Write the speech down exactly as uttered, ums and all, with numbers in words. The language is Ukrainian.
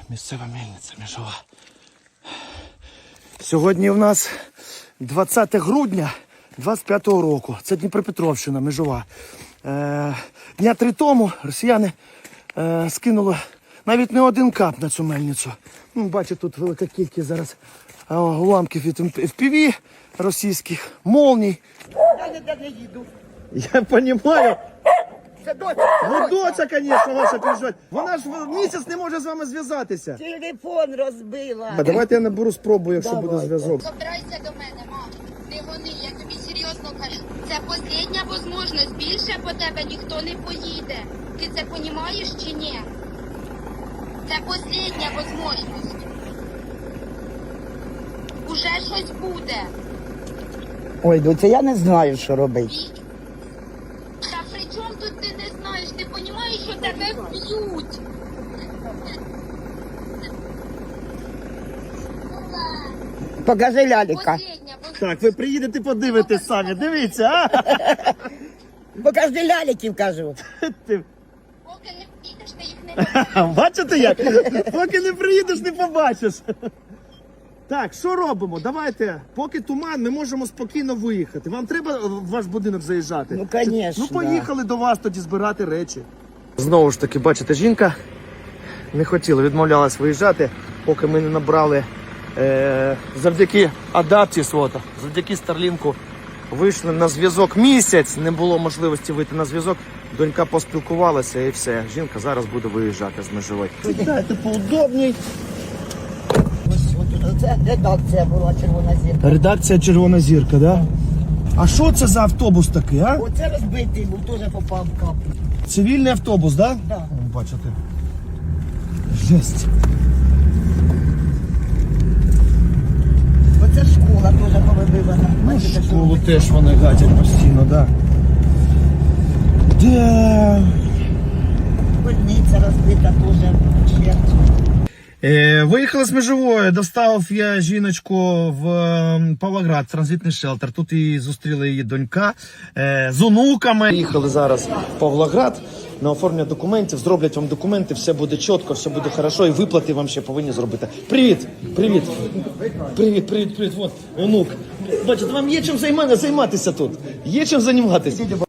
Місцева мельниця Межова. Сьогодні у нас двадцяте грудня двадцять п'ятого року. Це Дніпропетровщина, Межова. Е, дня три тому росіяни е, скинули навіть не один кап на цю мельницю. Ну, бачите, тут велика кількість зараз е, уламків від еф пі ві російських, молній. Я ніде не їду. Я розумію. Це доця. Ну, доця, звісно, ваша переживає. Вона ж місяць не може з вами зв'язатися. Телефон розбила. А давайте я наберу, спробую, якщо Давайте. буде зв'язок. Собирайся до мене, мам. Не вони, я тобі серйозно кажу. Це остання можливість. Більше по тебе ніхто не поїде. Ти це розумієш чи ні? Це остання можливість. Уже щось буде. Ой, доця, я не знаю, що робити. І... Та при чому тут ти не знаєш? Ти розумієш, що тебе вб'ють? Покажи ляліка. Остання, бо Так, ви приїдете, подивитесь самі. Дивіться, а? Покажи ляліків, кажу. Ти- поки не підеш, ти їх не побачиш. Бачите як? Поки не приїдеш, не побачиш. Так, що робимо? Давайте, поки туман, ми можемо спокійно виїхати. Вам треба в ваш будинок заїжджати? Ну, конечно, Ну, поїхали до вас тоді збирати речі. Знову ж таки, бачите, жінка не хотіла, відмовлялась виїжджати, поки ми не набрали е- завдяки адапті свого, завдяки Старлінку вийшли на зв'язок місяць, не було можливості вийти на зв'язок. Донька поспілкувалася і все. Жінка зараз буде виїжджати з Межової. Сідайте поудобній. Ось отут, це редакція була, червона зірка. Редакція Червона зірка, да? А що це за автобус такий, а? Оце розбитий був, теж попав в каплю. Цивільний автобус, да? Да. О, бачите. Жесть. Оце школа теж повибивана. Бачите, що Школу робить? теж вони гатять постійно, да. Де? Больниця розбита теж вщент. Е, виїхали з Межової, доставив я жіночку в е, Павлоград, транзитний шелтер. Тут і зустріла її донька е, з онуками. Їхали зараз в Павлоград на оформлення документів, зроблять вам документи, все буде чітко, все буде хорошо, і виплати вам ще повинні зробити. Привіт! Привіт! Привіт, привіт, привіт, от, онук. Бачите, вам є чим займати, займатися тут. Є чим займатися.